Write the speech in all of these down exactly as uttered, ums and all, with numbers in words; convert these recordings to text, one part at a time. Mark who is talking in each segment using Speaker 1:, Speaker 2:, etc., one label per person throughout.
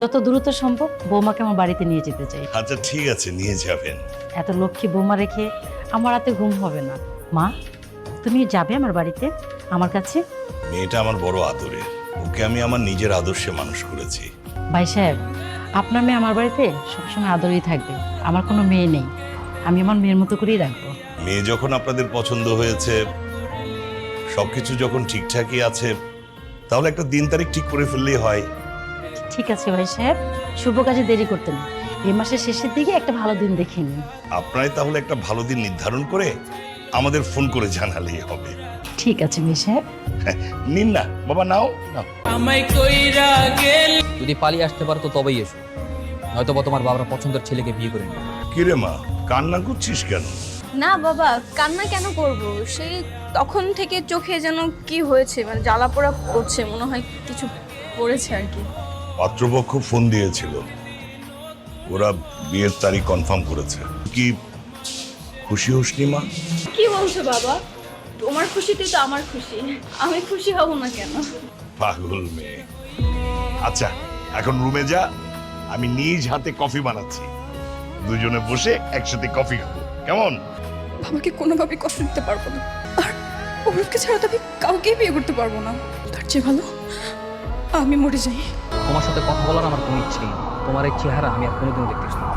Speaker 1: যত দ্রুত সম্ভব বৌমাকে আমার বাড়িতে নিয়ে যেতে চাই।
Speaker 2: আচ্ছা ঠিক আছে, নিয়ে যাবেন।
Speaker 1: এত লক্ষ্মী বৌমা রেখে আমার রাতে ঘুম হবে না। মা, তুমি যাবে আমার বাড়িতে, আমার কাছে?
Speaker 2: মেয়েটা আমার বড় আদরের, ওকে আমি আমার নিজের আদর্শে মানুষ করেছি।
Speaker 1: ভাই সাহেব, আপনার মেয়ে আমার বাড়িতে সবসময় আদরেই থাকবে। আমার কোনো মেয়ে নেই, আমি আমার মেয়ের মতো করেই রাখবো।
Speaker 2: মেয়ে যখন আপনাদের পছন্দ হয়েছে, সবকিছু যখন ঠিকঠাকই আছে, তাহলে একটা দিন তারিখ ঠিক করে ফেললেই হয়।
Speaker 1: ঠিক আছে ভাই সাহেব, শুভ কাজে দেরি করতে না। এই মাসের শেষের দিকে একটা ভালো দিন দেখে নিন।
Speaker 2: আপনারাই তাহলে একটা ভালো দিন নির্ধারণ করে আমাদের ফোন করে জানালেই হবে।
Speaker 1: ঠিক আছে ভাই সাহেব।
Speaker 2: হ্যাঁ, নিন না বাবা, নাও নাও।
Speaker 3: আমায় কইরা গেল
Speaker 4: যদি পালিয়ে আসতে পারো তো তবেই এসো, নয়তো বা তোমার বাবার পছন্দের ছেলেকে বিয়ে করে নিও।
Speaker 2: কিরে মা, কান্না করছিস কেন?
Speaker 5: না বাবা, কান্না কেন করব? সেই তখন থেকে চোখে যেন কি হয়েছে, মানে জ্বালা পোড়া করছে, মনে হয় কিছু পড়েছে আর কি।
Speaker 2: পাত্রপক্ষ ফোন দিয়েছিল, ওরা বিয়ের তারিখ কনফার্ম করেছে। কি খুশি হসনি মা?
Speaker 5: কি বলছো বাবা? তোমার খুশিতেই তো আমার খুশি, আমি খুশি হব না কেন?
Speaker 2: পাগল মেয়ে। আচ্ছা এখন রুমে যা, আমি নিজ হাতে কফি বানাচ্ছি, দুজনে বসে একসাথে কফি খাবো, কেমন?
Speaker 6: আমাকে কোনোভাবে কষ্ট দিতে পারবো না, আর অরূপকে ছাড়া তো আমি কাউকেই বিয়ে করতে পারবো না। তার চেয়ে ভালো আমি মরে যাই।
Speaker 4: তোমার সাথে কথা বলার আমার কোনো ইচ্ছেই নেই। তোমার এই চেহারা আমি আর কোনোদিনও দেখতে চাই না।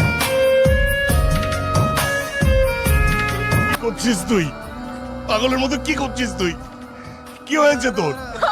Speaker 2: কি করছিস তুই? পাগলের মতো কি করছিস তুই? কি হয়েছে তোর?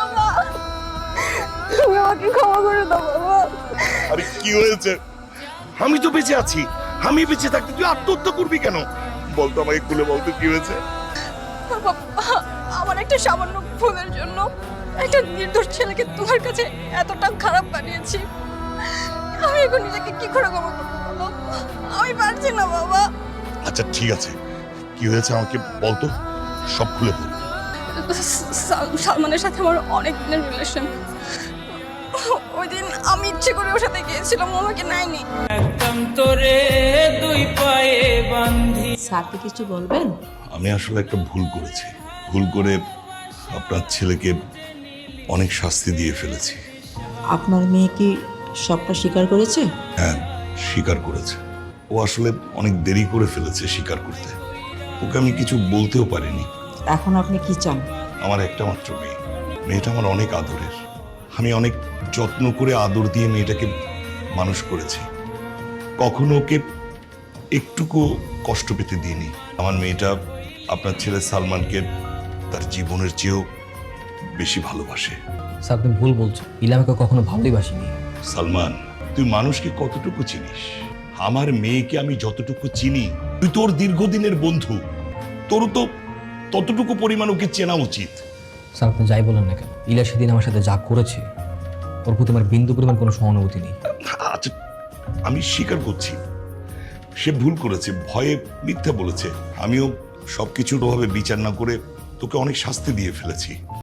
Speaker 5: তুমি আমাকে ক্ষমা করে দাও বাবা।
Speaker 2: আরে কি হয়েছে? আমি তো বেঁচে আছি, আমি বেঁচে থাকতে তুই আত্মহত্যা করবি কেন? বলতো আমাকে, খুলে বলতো কি হয়েছে?
Speaker 6: বাবা, আমার একটা সামান্য ভুলের জন্য একটা নির্দোষ ছেলেকে তোমার কাছে এতটা খারাপ বানিয়েছি। আমি এখন নিজেকে কি করে ক্ষমা করবো বলো? আমি পারছি না বাবা।
Speaker 2: আচ্ছা ঠিক আছে, কি হয়েছে আমাকে বলতো, সব খুলে বল।
Speaker 6: সাল- সালমানের সাথে আমার অনেক দিনের রিলেশন। ওই দিন আমি ইচ্ছে করে ওর সাথে গিয়েছিলাম, ও আমাকে নেয়নি।
Speaker 3: একদম তোরে দুই পায়ে বান্ধি।
Speaker 7: স্যারকে কিছু বলবেন?
Speaker 2: আমি আসলে একটা ভুল করেছি, ভুল করে আপনার ছেলেকে অনেক শাস্তি দিয়ে ফেলেছি।
Speaker 7: আপনার মেয়ে কি সবটা স্বীকার করেছে?
Speaker 2: হ্যাঁ, স্বীকার করেছে। ও আসলে অনেক দেরি করে ফেলেছে স্বীকার করতে, ওকে আমি কিছু বলতেও পারিনি।
Speaker 7: এখন আপনি কি চান?
Speaker 2: আমার একটা মাত্র মেয়ে, মেয়েটা আমার অনেক আদরের। আমি অনেক যত্ন করে আদর দিয়ে মেয়েটাকে মানুষ করেছি, কখনো ওকে একটুকু কষ্ট পেতে দিইনি। আমার মেয়েটা আপনার ছেলে সালমানকে তার জীবনের চেয়েও বেশি ভালোবাসে।
Speaker 4: স্যার তুমি ভুল বলছো, ইলা আমাকে কখনো ভালোই বাসিনি।
Speaker 2: সালমান, তুই মানুষকে কতটুকু চিনিস? আমার মেয়েকে আমি যতটুকু চিনি, তুই তোর দীর্ঘদিনের বন্ধু, তোরও তো ততটুকু পরিমাণ ওকে চেনা উচিত।
Speaker 4: স্যার আপনি যাই বলেন না কেন, ইলা সেদিন আমার সাথে যা করেছে ওর প্রতি আমার বিন্দু পরিমাণ কোনো সহানুভূতি নেই।
Speaker 2: আচ্ছা আমি স্বীকার করছি, সে ভুল করেছে, ভয়ে মিথ্যা বলেছে। আমিও সবকিছুর অভাবে বিচার না করে তোকে অনেক শাস্তি দিয়ে ফেলেছি।